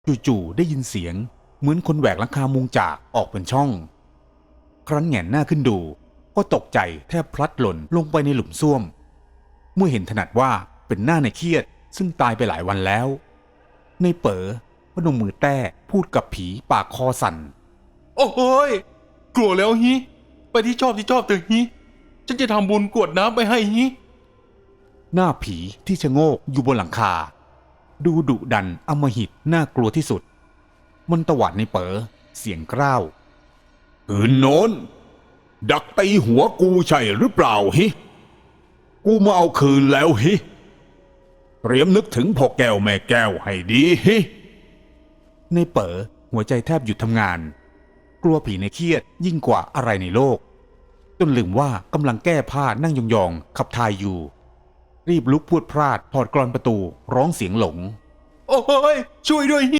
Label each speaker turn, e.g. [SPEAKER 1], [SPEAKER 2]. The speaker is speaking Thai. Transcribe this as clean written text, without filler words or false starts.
[SPEAKER 1] จู่ๆได้ยินเสียงเหมือนคนแหวกหลังคามุงจากออกเป็นช่องครั้นแหงนหน้าขึ้นดูก็ตกใจแทบพลัดหล่นลงไปในหลุมซ่วมเมื่อเห็นถนัดว่าเป็นหน้าในเครียดซึ่งตายไปหลายวันแล้วในเป๋อพนมมือแต้พูดกับผีปากคอสั่น
[SPEAKER 2] โอ้ยกลัวแล้วฮิไปที่ชอบเถอะฮิฉันจะทำบุญกรวดน้ำไปให้ฮิ
[SPEAKER 1] หน้าผีที่ชะโงกอยู่บนหลังคาดูดุดันอำมหิตน่ากลัวที่สุดมันตวาดในเป๋อเสียงกร้าวคืนโน้นดักตีหัวกูใช่หรือเปล่าฮิกูมาเอาคืนแล้วฮิเตรียมนึกถึงพ่อแก้วแม่แก้วให้ดีฮิในเป๋อหัวใจแทบหยุดทำงานกลัวผีในเครียดยิ่งกว่าอะไรในโลกจนลืมว่ากำลังแก้ผ้านั่งยองๆขับถ่ายอยู่รีบลุกพรวดพลาดถอดกลอนประตูร้องเสียงหลง
[SPEAKER 2] โอ้ยช่วยด้วยฮิ